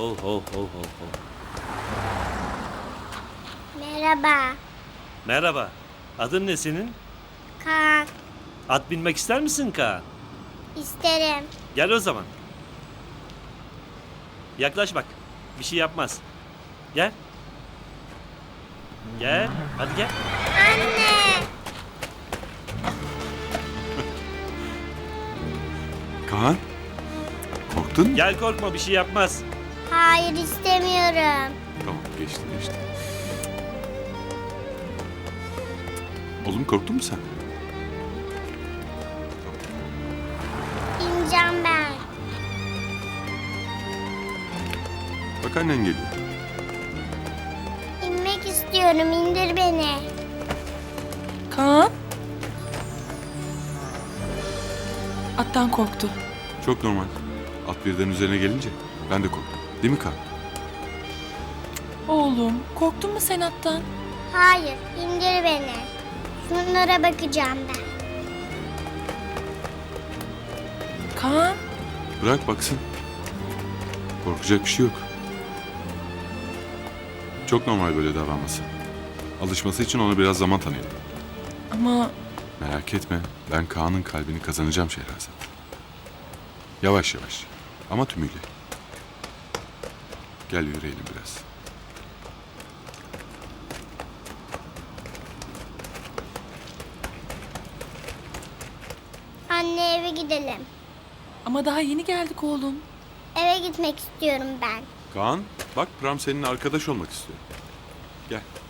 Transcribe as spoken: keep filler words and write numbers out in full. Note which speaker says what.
Speaker 1: ho ho ho ho ho.
Speaker 2: Merhaba.
Speaker 1: Merhaba. Adın ne senin?
Speaker 2: Kaan.
Speaker 1: At binmek ister misin Kaan?
Speaker 2: İsterim.
Speaker 1: Gel o zaman. Yaklaş bak. Bir şey yapmaz. Gel. Gel. Hadi gel.
Speaker 2: Anne.
Speaker 3: Kaan, korktun mu?
Speaker 1: Gel korkma bir şey yapmaz.
Speaker 2: Hayır istemiyorum.
Speaker 3: Tamam, geçti geçti. Oğlum korktun mu sen?
Speaker 2: İneceğim ben.
Speaker 3: Bak annen geliyor.
Speaker 2: İnmek istiyorum. İndir beni.
Speaker 4: Kaan. Attan korktu.
Speaker 3: Çok normal. At birden üzerine gelince ben de korktum. Değil mi Kaan?
Speaker 4: Oğlum, korktun mu sen attan?
Speaker 2: Hayır. İndir beni. Şunlara bakacağım ben.
Speaker 4: Kaan.
Speaker 3: Bırak baksın. Korkacak bir şey yok. Çok normal böyle davranması. Alışması için ona biraz zaman tanıyalım.
Speaker 4: Ama
Speaker 3: Merak etme. Ben Kaan'ın kalbini kazanacağım Şehrazat. Yavaş yavaş. Ama tümüyle. Gel yürüyelim biraz.
Speaker 2: Anne eve gidelim.
Speaker 4: ama daha yeni geldik oğlum.
Speaker 2: Eve gitmek istiyorum ben.
Speaker 3: Kaan, bak Pram seninle arkadaş olmak istiyor. Gel.